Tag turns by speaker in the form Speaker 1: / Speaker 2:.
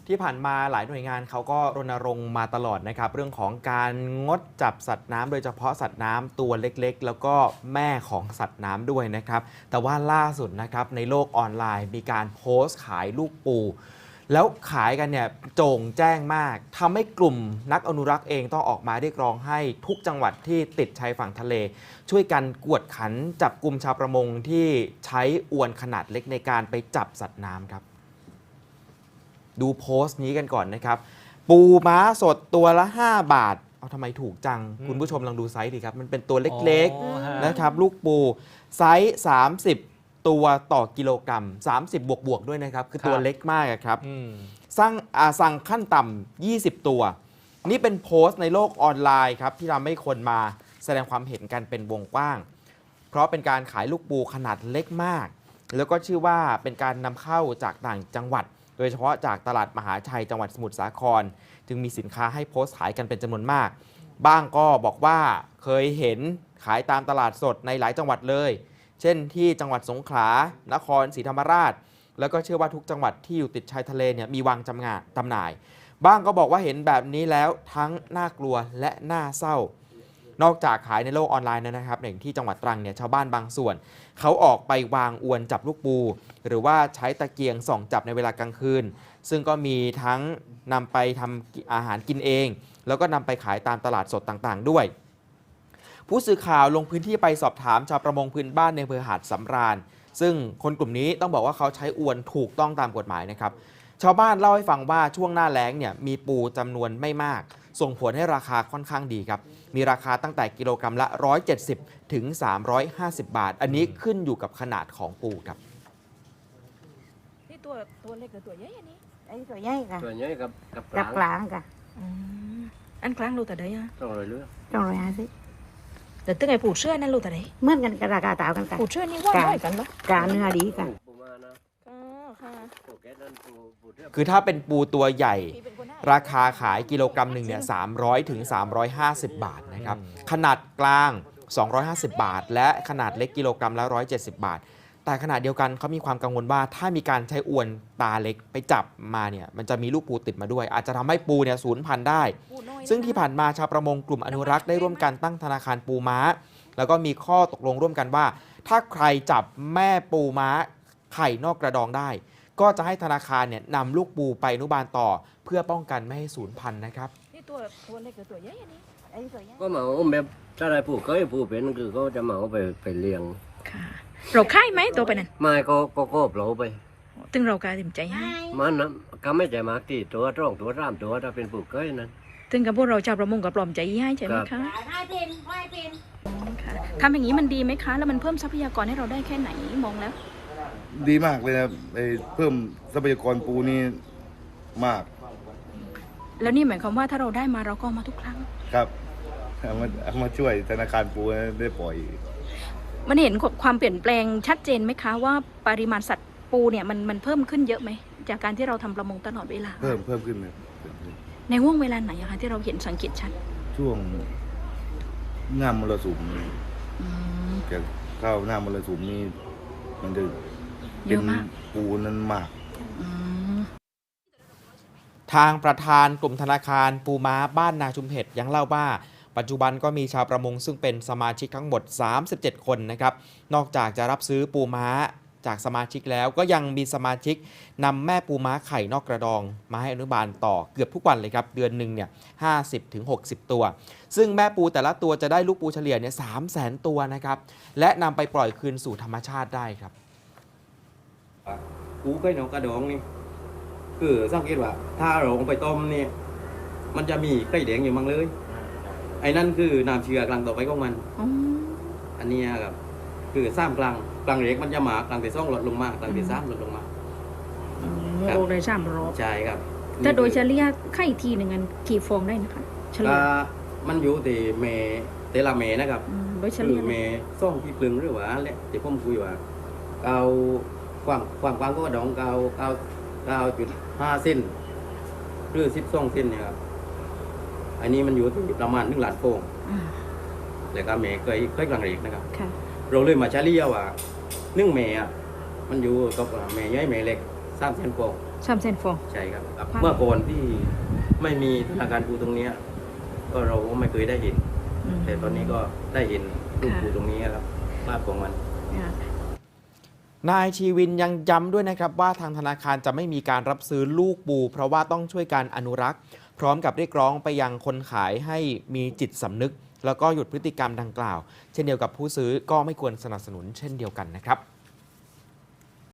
Speaker 1: ที่ผ่านมาหลายหน่วยงานเขาก็รณรงค์มาตลอดนะครับเรื่องของการงดจับสัตว์น้ำโดยเฉพาะสัตว์น้ำตัวเล็กๆแล้วก็แม่ของสัตว์น้ำด้วยนะครับแต่ว่าล่าสุดนะครับในโลกออนไลน์มีการโพสต์ขายลูกปูแล้วขายกันเนี่ยโจ่งแจ้งมากทำให้กลุ่มนักอนุรักษ์เองต้องออกมาเรียกร้องให้ทุกจังหวัดที่ติดชายฝั่งทะเลช่วยกันกวดขันจับกลุ่มชาวประมงที่ใช้อวนขนาดเล็กในการไปจับสัตว์น้ำครับดูโพสต์นี้กันก่อนนะครับปูม้าสดตัวละ5 บาทเอาทำไมถูกจังคุณผู้ชมลองดูไซส์ดิครับมันเป็นตัวเล็กๆนะครับลูกปูไซส์30ตัวต่อกิโลกรัม30บวกด้วยนะครับคือตัวเล็กมากครับสั่งขั้นต่ำ20ตัวนี่เป็นโพสต์ในโลกออนไลน์ครับที่ทำให้คนมาแสดงความเห็นกันเป็นวงกว้างเพราะเป็นการขายลูกปูขนาดเล็กมากแล้วก็ชื่อว่าเป็นการนำเข้าจากต่างจังหวัดโดยเฉพาะจากตลาดมหาชัยจังหวัดสมุทรสาครจึงมีสินค้าให้โพสต์ขายกันเป็นจำนวนมากบ้างก็บอกว่าเคยเห็นขายตามตลาดสดในหลายจังหวัดเลยเช่นที่จังหวัดสงขลานครศรีธรรมราชแล้วก็เชื่อว่าทุกจังหวัดที่อยู่ติดชายทะเลเนี่ยมีวางจำหน่ายบ้างก็บอกว่าเห็นแบบนี้แล้วทั้งน่ากลัวและน่าเศร้านอกจากขายในโลกออนไลน์นะครับอย่างที่จังหวัดตรังเนี่ยชาวบ้านบางส่วนเขาออกไปวางอวนจับลูกปูหรือว่าใช้ตะเกียงส่องจับในเวลากลางคืนซึ่งก็มีทั้งนำไปทำอาหารกินเองแล้วก็นำไปขายตามตลาดสดต่างๆด้วยผู้สื่อข่าวลงพื้นที่ไปสอบถามชาวประมงพื้นบ้านในอำเภอหาดสำราญซึ่งคนกลุ่มนี้ต้องบอกว่าเขาใช้อวนถูกต้องตามกฎหมายนะครับชาวบ้านเล่าให้ฟังว่าช่วงหน้าแล้งเนี่ยมีปูจำนวนไม่มากส่งผลให้ราคาค่อนข้างดีครับมีราคาตั้งแต่กิโลกรัมละ170ถึง350 บาทอันนี้ขึ้นอยู่กับขนาดของปูครับ
Speaker 2: นี่ตัวเล็กหรือตัวใหญ่อันนี้
Speaker 3: ตัวใหญ่ค่ะ
Speaker 4: ตัวใหญ่กับ
Speaker 3: กลางค่ะ
Speaker 2: อันกลางโลแต่ใดอ่ะ
Speaker 3: 250
Speaker 2: แต่ตึ้งไอ้ปูเชื่อนั่นโลแต่ใด
Speaker 3: เหมือนกันกับราคาต่างกันค่ะ
Speaker 2: ปูเชื่อนี่ว่าได้กันเหรอ
Speaker 3: การเนื้อดีค่ะ
Speaker 1: คือถ้าเป็นปูตัวใหญ่ราคาขายกิโลกรัมหนึ่งเนี่ย300ถึง350 บาทนะครับขนาดกลาง250 บาทและขนาดเล็กกิโลกรัมละ170 บาทแต่ขณะเดียวกันเขามีความกังวลว่าถ้ามีการใช้อวนตาเล็กไปจับมาเนี่ยมันจะมีลูกปูติดมาด้วยอาจจะทำให้ปูเนี่ยสูญพันธุ์ได้ซึ่งที่ผ่านมาชาวประมงกลุ่มอนุรักษ์ได้ร่วมกันตั้งธนาคารปูม้าแล้วก็มีข้อตกลงร่วมกันว่าถ้าใครจับแม่ปูม้าไข่นอกกระดองได้ก็จะให้ธนาคารเนี่ยนำลูกปูไปอนุบาลต่อเพื่อป้องกันไม่ให้สูญพันธุ์นะครับ
Speaker 2: นี่ตัวเล็กหรือตัวใหญ่อันนี้
Speaker 4: ก็เหมาแบบถ้าได้ผู้เคยผู้เป็นคือเขาจะเหมาไปเลี้ยง
Speaker 2: ค่ะเราค่ายไหมตัวไปนั่น
Speaker 4: ไม่ก็เปล่าไป
Speaker 2: ตึงเราการติ่มใจให้
Speaker 4: มันนะก็ไม่ใจมากที่ตัวร่องตัวร่ามตัวถ้าเป็นผู้เคยนั้น
Speaker 2: ตึงกับพวกเราชาวประมงกับปลอมใจให้ใช่ไหมคะค่ะทำอย่างนี้มันดีไหมคะแล้วมันเพิ่มทรัพยากรให้เราได้แค่ไหนมองแล้ว
Speaker 5: ดีมากเลยนะเพิ่มทรัพยากรปูนี่มาก
Speaker 2: แล้วนี่หมายความว่าถ้าเราได้มาเราก็มาทุกครั้ง
Speaker 5: ครับเอามาช่วยธนาคารปูได้ปล่อย
Speaker 2: มันเห็นความเปลี่ยนแปลงชัดเจนไหมคะว่าปริมาณสัตว์ปูเนี่ยมันเพิ่มขึ้นเยอะไหมจากการที่เราทำประมงตลอดเวลา
Speaker 5: เพิ่มขึ้นเลย
Speaker 2: ในห่วงเวลาไหนคะที่เราเห็นสังเกตชัด
Speaker 5: ช่วงหน้ามรสุมจะเข้าหน้ามรสุมนี่มันจะเป็นปูนั้นมาก
Speaker 1: ทางประธานกลุ่มธนาคารปูม้าบ้านนาชุมเห็ดยังเล่าว่าปัจจุบันก็มีชาวประมงซึ่งเป็นสมาชิกทั้งหมด37คนนะครับนอกจากจะรับซื้อปูม้าจากสมาชิกแล้วก็ยังมีสมาชิกนำแม่ปูม้าไข่นอกกระดองมาให้อนุบาลต่อเกือบทุกวันเลยครับเดือนหนึ่งเนี่ย50 ถึง 60 ตัวซึ่งแม่ปูแต่ละตัวจะได้ลูกปูเฉลี่ยเนี่ย300,000 ตัวนะครับและนำไปปล่อยคืนสู่ธรรมชาติได้ครับ
Speaker 6: ปูไข่นอกกระดองนี่คือสังเกตว่าถ้าเราลงไปต้มนี่มันจะมีไข่แดงอยู่มั่งเลยไอ้นั่นคือน้ำเชื้อกลางต่อไปของมันอันนี้ครับคือซ้ำกลางเล็กมันจะหมากลางที่2ลดลงมากลางที่3ลดลงมา
Speaker 2: โอ้ได้300
Speaker 6: ใช่ครับ
Speaker 2: แต่โดยเฉลี่ยไข่ทีหนึ่งกันกี่ฟองได้นะคะเฉลี่ย
Speaker 6: มันอยู่ที่เมแต่ละเมนะครับ
Speaker 2: โดยเฉลี่ย
Speaker 6: เมซ่องที่ปลึงหรือว่าแหละที่ผมคุยว่าเอาความก็ดอง9.5 เซนหรือ12 เซนเนี่ยครับอันนี้มันอยู่ที่ประมาณ1 ล้านฟองแล้วก็เมย์เคยกลางเล็กนะครับเราเลยมาเฉลี่ยว่า1 เมย์มันอยู่กับเมย์ใหญ่เมย์เล็ก3 เซนฟอง
Speaker 2: 300,000 ฟอง
Speaker 6: ใช่ครับ
Speaker 2: ครับ
Speaker 6: เมื่อก่อนที่ไม่มีธนาคารปูตรงเนี้ยก็เราก็ไม่เคยได้เห็น แต่ตอนนี้ก็ได้เห็นลูกปูตรงนี้ครับภาพของมัน
Speaker 1: นายชีวินยังย้ำด้วยนะครับว่าทางธนาคารจะไม่มีการรับซื้อลูกปู เพราะว่าต้องช่วยการอนุรักษ์ พร้อมกับเรียกร้องไปยังคนขายให้มีจิตสำนึก แล้วก็หยุดพฤติกรรมดังกล่าว เช่นเดียวกับผู้ซื้อก็ไม่ควรสนับสนุนเช่นเดียวกันนะครับ